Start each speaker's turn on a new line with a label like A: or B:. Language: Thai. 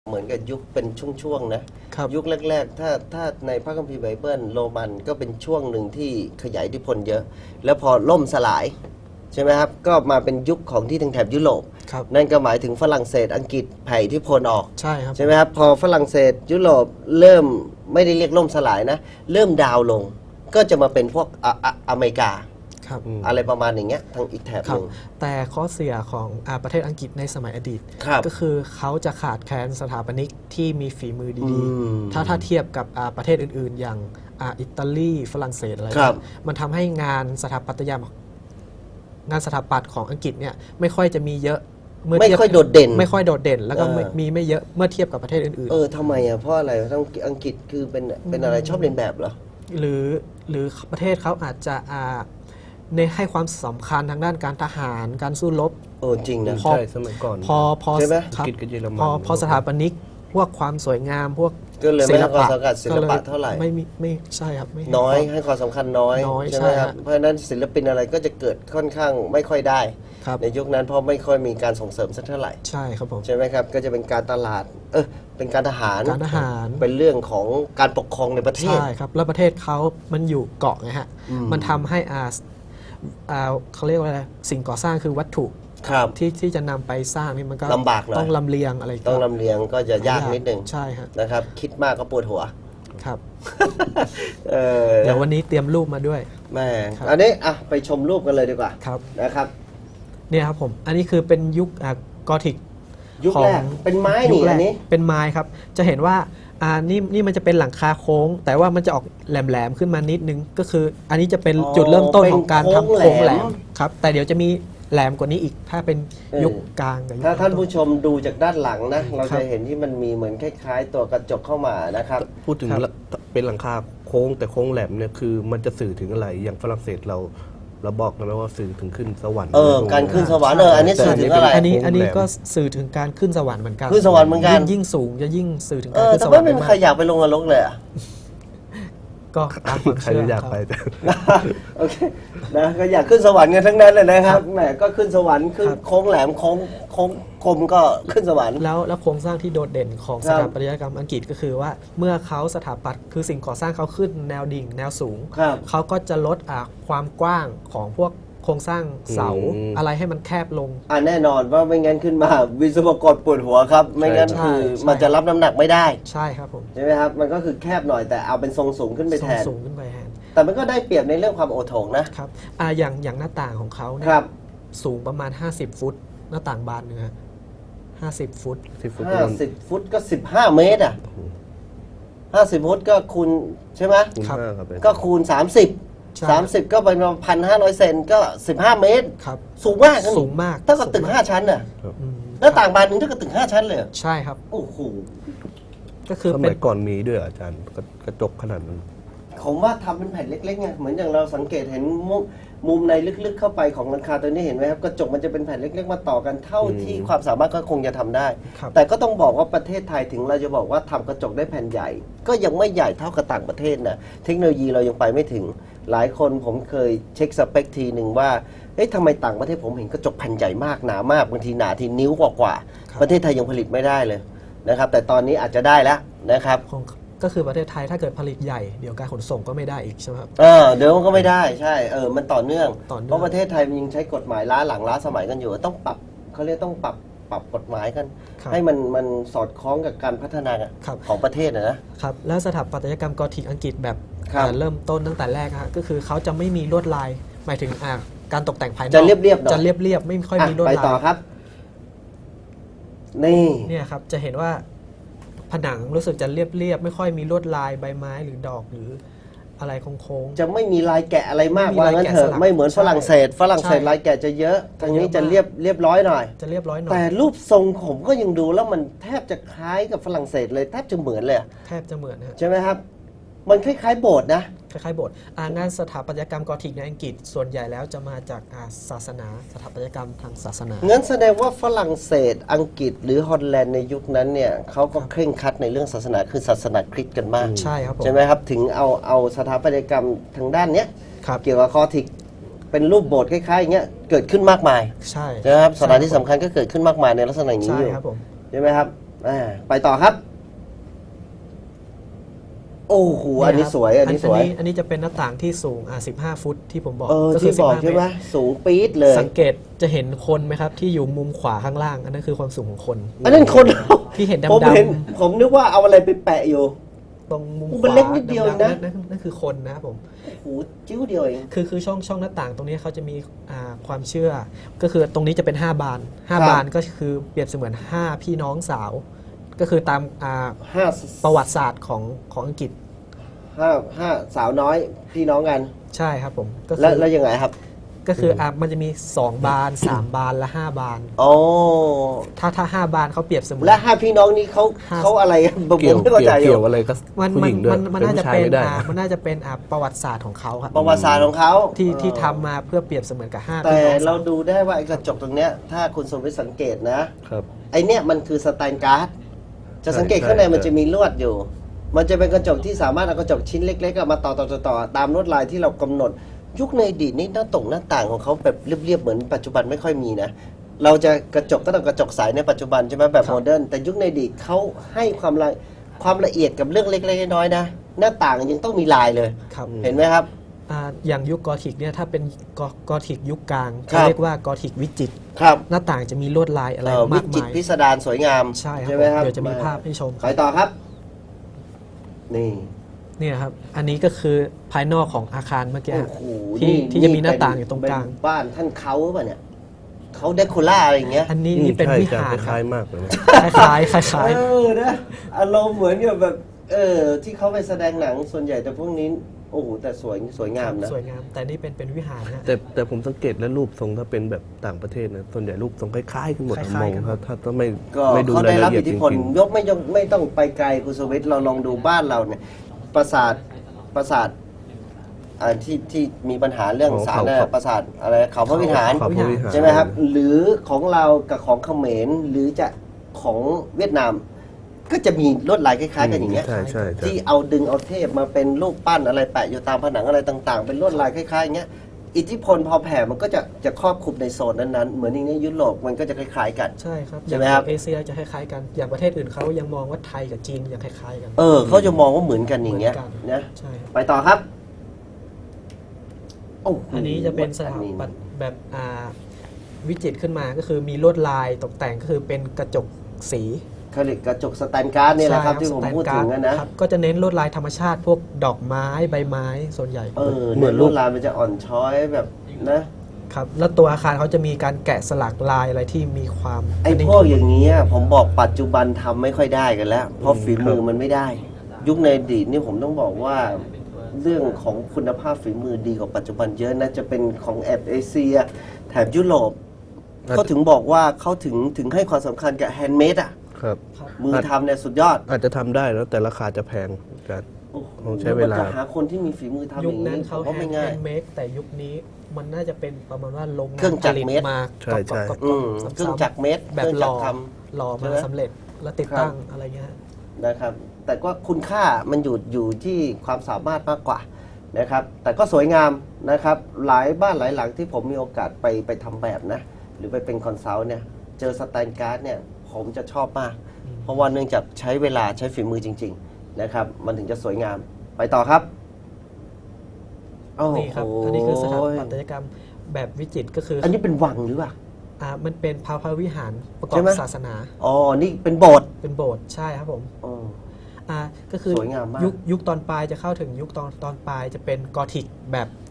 A: เหมือนกับยุคเป็นช่วงๆนะครับยุคแรกๆถ้าในพระคัมภีร์ไบเบิลโรมันก็เป็นช่วงหนึ่งที่ขยายอิทธิพลเยอะ แล้วพอล่มสลายใช่ไหมครับก็มาเป็นยุคของที่ทางแถบยุโรปนั่นก็หมายถึงฝรั่งเศสอังกฤษแผ่อิทธิพลออก
B: ใช่ครับ
A: ใช่ไหมครับพอฝรั่งเศสยุโรปเริ่มไม่ได้เรียกล่มสลายนะเริ่มดาวลงก็จะมาเป็นพวกอเมริกาอะไรประมาณอย่างเงี้ยทางอีกแถบหนึ่ง
B: แต่ข้อเสียของประเทศอังกฤษในสมัยอดีตก็คือเขาจะขาดแคลนสถาปนิกที่มีฝีมือดีๆถ้าเทียบกับประเทศอื่นๆ อย่างอิตาลีฝรั่งเศสอะไรมันทำให้งานสถาปัตยกรรมงานสถาปัตย์ของอังกฤษเนี่ยไม่ค่อยจะมีเยอะ
A: ไม่ค่อยโดดเด่น
B: แล้วก็มีไม่เยอะเมื่อเทียบกับประเทศอื่น
A: ๆทำไมอ่ะเพราะอะไรต้องอังกฤษคือเป็นอะไรชอบเรียนแบบเหรอ
B: หรือประเทศเขาอาจจะในให้ความสำคัญทางด้านการทหารการสู้รบ
A: จริงนะ
C: ใช่สมัยก่อน
A: ใช่ไหม
B: พอสถาปนิกพวกความสวยงามพวก
A: ก็เลยไม่ให้ความสำคัญศิลปะเท่าไหร่
B: ไม่ใช่ครับ
A: น้อยให้ความสำคัญน้อยใช่ไหมครับเพราะฉะนั้นศิลปินอะไรก็จะเกิดค่อนข้างไม่ค่อยได้ในยุคนั้นเพราะไม่ค่อยมีการส่งเสริมสักเท่าไหร่
B: ใช่ครับผม
A: ใช่ไหมครับก็จะเป็นการตลาดเป็นการทหารเป็นเรื่องของการปกครองในประเทศ
B: ใช่ครับแล้วประเทศเขามันอยู่เกาะไงฮะมันทำให้เขาเรียกว่าอะไรสิ่งก่อสร้างคือวัตถุที่จะนำไปสร้างนี่มันก็
A: ลำบากหน่อย
B: ต้องลำเลียงอะไร
A: ต้องลำเลียงก็จะยากนิดนึง
B: ใช่ครับ
A: นะครับคิดมากก็ปวดหัว
B: ครับเดี๋ยววันนี้เตรียมรูปมาด้วย
A: แม่อันนี้ไปชมรูปกันเลยดีกว่านะครับ
B: เนี่ยครับผมอันนี้คือเป็นยุคกอธิก
A: ยุคแรกเป็นไม้นี่อันนี้
B: เป็นไม้ครับจะเห็นว่านี่มันจะเป็นหลังคาโค้งแต่ว่ามันจะออกแหลมๆขึ้นมานิดนึงก็คืออันนี้จะเป็นจุดเริ่มต้นของการทำโค้งแหลมครับแต่เดี๋ยวจะมีแหลมกว่านี้อีกถ้าเป็นยุคกลาง
A: ถ้าท่านผู้ชมดูจากด้านหลังนะเราจะเห็นที่มันมีเหมือนคล้ายๆตัวกระจกเข้ามานะครับ
C: พูดถึงเป็นหลังคาโค้งแต่โค้งแหลมเนี่ยคือมันจะสื่อถึงอะไรอย่างฝรั่งเศสเราบอกนะว่าสื่อถึงขึ้นสวรรค์
A: การขึ้นสวรรค์อันนี้สื่อถึงอะไร
B: อันนี้ก็สื่อถึงการขึ้นสวรรค์เหมือนกัน
A: ขึ้นสวรรค์เหมือนกัน
B: ยิ่งสูงจะยิ่งสื่อถึงการขึ้นสวรรค์
A: แต่ไม่มีใครอยากไปลงนรกเลย
B: ก็ตามความ
C: เชื่ออยากไป
A: โอเคนะก็อยากขึ้นสวรรค์กันทั้งนั้นเลยนะครับแหมก็ขึ้นสวรรค์ขึ้นโค้งแหลมโค้งคมก็ขึ้นสวรรค์
B: แล้วโครงสร้างที่โดดเด่นของสถาปัตยกรรมอังกฤษก็คือว่าเมื่อเขาสถาปัตย์คือสิ่งก่อสร้างเขาขึ้นแนวดิ่งแนวสูงเขาก็จะลดความกว้างของพวกโครงสร้างเสาอะไรให้มันแคบลง
A: แน่นอนว่าไม่งั้นขึ้นมาวิศวกรปวดหัวครับไม่งั้นคือมันจะรับน้ำหนักไม่ได้
B: ใช่ครับผม
A: ใช่ไหมครับมันก็คือแคบหน่อยแต่เอาเป็นทรงสูงขึ้นไปแทน
B: สูงขึ้นไปแทน
A: แต่มันก็ได้เปรียบในเรื่องความโอโถงนะครับ
B: อย่างหน้าต่างของเขาเนี่ยสูงประมาณ50ฟุตหน้าต่างบานเนื้อ50ฟุต
A: 50ฟุตก็15เมตร50ฟุตก็คูณใช่ไหมก็คูณ30ก็เป็น1,500 เซนก็15เมตรสูงมากเท่ากับตึก5ชั้นน่ะหน้าต่างบานนึงเท่ากับตึก5ชั้นเลย
B: ใช่ครับ
A: โอ้โห
B: ก็คือ
C: สมัยก่อนมีด้วยอาจารย์กระจกขนาดนั้น
A: ผมว่าทำเป็นแผ่นเล็กๆไงเหมือนอย่างเราสังเกตเห็นมุมในลึกๆเข้าไปของหลังคาตัวนี้เห็นไหมครับกระจกมันจะเป็นแผ่นเล็กๆมาต่อกันเท่าที่ความสามารถก็คงจะทำได้แต่ก็ต้องบอกว่าประเทศไทยถึงเราจะบอกว่าทำกระจกได้แผ่นใหญ่ก็ยังไม่ใหญ่เท่ากับต่างประเทศนะเทคโนโลยีเรายังไปไม่ถึงหลายคนผมเคยเช็คสเปคทีหนึ่งว่าทำไมต่างประเทศผมเห็นกระจกแผ่นใหญ่มากหนามากบางทีหนาทีนิ้วกว่าประเทศไทยยังผลิตไม่ได้เลยนะครับแต่ตอนนี้อาจจะได้แล้วนะครับ
B: ก็คือประเทศไทยถ้าเกิดผลิตใหญ่เดี๋ยวการขนส่งก็ไม่ได้อีกใช่ไหมครับ
A: เดี๋ยวมันก็ไม่ได้ใช่มันต่อเนื่องเพราะประเทศไทยมันยังใช้กฎหมายล้าหลังล้าสมัยกันอยู่ต้องปรับเขาเรียกต้องปรับกฎหมายกันให้มันสอดคล้องกับการพัฒนาของประเทศ
B: นะครับแล้วสถาปัตยกรรมกอธิกอังกฤษแบบเริ่มต้นตั้งแต่แรกก็คือเขาจะไม่มีลวดลายหมายถึงการตกแต่งภายนอก
A: จะเรียบๆ
B: จะเรียบไม่ค่อยมีลวดลาย
A: ไปต่อครับ
B: นี่ครับจะเห็นว่าผนังรู้สึกจะเรียบไม่ค่อยมีลวดลายใบไม้หรือดอกหรืออะไรโค้ง
A: จะไม่มีลายแกะอะไรมากว่างั้นเถอะไม่เหมือนฝรั่งเศสลายแกะจะเยอะทางนี้จะเรียบร้อยหน่อยแต่รูปทรงผมก็ยังดูแล้วมันแทบจะคล้ายกับฝรั่งเศสเลยแทบจะเหมือนเลย
B: แทบจะเหมือน
A: ใช่ไหมครับมันคล้ายๆโบสถ์นะ
B: คล้ายๆโบสถ์งานสถาปัตยกรรมกอธิกในอังกฤษส่วนใหญ่แล้วจะมาจากศาสนาสถาปัตยกรรมทางศาสนา
A: งั้นแสดงว่าฝรั่งเศสอังกฤษหรือฮอลแลนด์ในยุคนั้นเนี่ยเขาก็เคร่งครัดในเรื่องศาสนาคือศาสนาคริสต์กันมาก
B: ใช่ครับ
A: ใช่ไหมครับถึงเอาสถาปัตยกรรมทางด้านเนี้ยเกี่ยวกับกอธิกเป็นรูปโบสถ์คล้ายๆอย่างเงี้ยเกิดขึ้นมากมาย
B: ใช่
A: นะครับสถานที่สำคัญก็เกิดขึ้นมากมายในลักษณะนี้อยู่ใช่ไหมครับไปต่อครับ โอ้โหอันนี้สวยอันนี้สวย
B: อันนี้จะเป็นหน้าต่างที่สูง15 ฟุตที่ผมบอกก็
A: ที่บอกใช่ไหมสูงปี๊ดเลย
B: สังเกตจะเห็นคนไหมครับที่อยู่มุมขวาข้างล่างอันนั้นคือความสูงของคน
A: อันนั้นคน
B: ที่เห็นด
A: ำผมนึกว่าเอาอะไรไปแปะอยู่
B: ตรงมุมขวา
A: มันเล็กนิดเดียวนะ
B: นั่นคือคนนะครับผม
A: โอ้โหจิ้วเดียวเอง
B: คือช่องหน้าต่างตรงนี้เขาจะมีความเชื่อก็คือตรงนี้จะเป็น5 บาน5 บานก็คือเปรียบเสมือน5 พี่น้องสาวก็คือตามประวัติศาสตร์ของอังกฤษ
A: 5 สาวน้อยพี่น้องกัน
B: ใช่ครับผม
A: แล้วยังไงครับ
B: ก็คือมันจะมี2 บาน3 บานและ5 บานถ้า5 บานเขาเปรียบเสมือน
A: และ5 พี่น้องนี้เขาอะไร
C: เกี่ยวอะไรก็ผู้หญิงด้วย
B: มันน่าจะเป็นประวัติศาสตร์ของเขาครับ
A: ประวัติศาสตร์ของเขา
B: ที่ทำมาเพื่อเปรียบเสมือนกับ5
A: แต่เราดูได้ว่าไอ้กระจกตรงเนี้ยถ้าคุณสมวิทย์สังเกตนะครับไอ้เนี้ยมันคือสแตนการ์ดจะสังเกตข้างในมันจะมีลวดอยู่มันจะเป็นกระจกที่สามารถเอากระจกชิ้นเล็กๆมาต่อตามลวดลายที่เรากำหนดยุคในอดีตนี้หน้าต่างของเขาแบบเรียบๆเหมือนปัจจุบันไม่ค่อยมีนะเราจะกระจกก็ต้องกระจกใสในปัจจุบันใช่ไหมแบบโมเดิร์นแต่ยุคในอดีตเขาให้ความละเอียดกับเรื่องเล็กๆน้อยๆนะหน้าต่างยังต้องมีลายเลยเห็นไหมครับ
B: อย่างยุคกอธิกเนี่ยถ้าเป็นกอธิกยุคกลางเขาเรียกว่ากอธิกวิจิตรหน้าต่างจะมีลวดลายอะไรมากมาย
A: วิจิตรพิสดารสวยงาม
B: ใช่ไหมครับเดี๋ยวจะมีภาพให้ชม
A: ไปต่อครับ
B: นี่ครับอันนี้ก็คือภายนอกของอาคารเมื่อกี้ที่จะมีหน้าต่างอยู่ตรงกลาง
A: บ้านท่านเขาหรือเปล่าเนี่ยเขาเดคอร่าอะไรอย่างเงี้ย
B: อันนี้เป็นวิหาร
C: คล้ายมากเลย
B: คล้าย
A: นะอารมณ์เหมือนกับแบบที่เขาไปแสดงหนังส่วนใหญ่แต่พวกนี้โอ้โหแต่สวยงามนะ
B: สวยงามแต่นี่เป็นวิหารนะ
C: แต่ผมสังเกตและรูปทรงถ้าเป็นแบบต่างประเทศนะส่วนใหญ่รูปทรงคล้ายๆกันหมดมองครับถ้าไม่ดู
A: รายละเอียดจริงๆยกไม่ต้องไปไกลคุณสวิทย์เราลองดูบ้านเราเนี่ยปราสาทที่มีปัญหาเรื่องสารปราสาทอะไรเขาพระวิหารใช่ไหมครับหรือของเรากับของเขมรหรือจะของเวียดนามก็จะมีลวดลายคล้ายๆกันอย่างเงี้ยที่เอาเทพมาเป็นรูปปั้นอะไรแปะอยู่ตามผนังอะไรต่างๆเป็นลวดลายคล้ายๆอย่างเงี้ยอิทธิพลพอแผ่มันก็จะครอบคลุมในโซนนั้นๆเหมือนอย่างนี้ยุโรปมันก็จะคล้ายๆกัน
B: ใช่ครับใช่ไหมครับเอเชียจะคล้ายๆกันอย่างประเทศอื่นเขายังมองว่าไทยกับจีนยังคล้ายๆกัน
A: เขาจะมองว่าเหมือนกันอย่างเงี้ยนะไปต่อครับ
B: อันนี้จะเป็นสถาปัตย์แบบวิจิตรขึ้นมาก็คือมีลวดลายตกแต่งก็คือเป็นกระจกสี
A: เขาเรียกกระจกสแตนการ์ดนี่แหละครับที่ผมพูดถึงนะ
B: ก็จะเน้นลวดลายธรรมชาติพวกดอกไม้ใบไม้ส่วนใหญ่
A: เหมือนลวดลายมันจะอ่อนช้อยแบบ
B: นะครับแล้วตัวอาคารเขาจะมีการแกะสลักลายอะไรที่มีความ
A: ไอ้พวกอย่างนี้ผมบอกปัจจุบันทำไม่ค่อยได้กันแล้วเพราะฝีมือมันไม่ได้ยุคในอดีตนี่ผมต้องบอกว่าเรื่องของคุณภาพฝีมือดีกว่าปัจจุบันเยอะนะจะเป็นของแอบเอเชียแถบยุโรปเขาถึงบอกว่าเขาถึงให้ความสำคัญกับแฮนด์เมดมือทำเนี่ยสุดยอด
C: อาจจะทำได้แล้วแต่ราคาจะแพงกันต้องใช้เวลา
A: จะหาคนที่มีฝีมือทำอย่างนี้
B: เขาไม่ง่ายแฮนด์เมดแต่ยุคนี้มันน่าจะเป็นประมาณว่าลง
A: เครื่องจักรเมด
B: มา
C: ใช่
A: เครื่องจักรเมด
B: แบบหล่อมาสำเร็จแล้วติดตั้งอะไรเงี้ย
A: นะครับแต่ก็คุณค่ามันอยู่ที่ความสามารถมากกว่านะครับแต่ก็สวยงามนะครับหลายบ้านหลายหลังที่ผมมีโอกาสไปทำแบบนะหรือไปเป็นคอนซัลท์เนี่ยเจอสแตนการ์ดเนี่ยผมจะชอบมากเพราะว่าเนื่องจากใช้เวลาใช้ฝีมือจริงๆนะครับมันถึงจะสวยงามไปต่อครับ
B: นี่ครับอันนี้คือสถาปัตยกรรมแบบวิจิตรก็คือ
A: อันนี้เป็นวังหรือเปล่า
B: มันเป็นพระวิหารประกอบศาสนา
A: นี่เป็นโบสถ์
B: ใช่ครับผมก็คือยุคตอนปลายจะเข้าถึงยุคตอนปลายจะเป็นกอธิกแบบ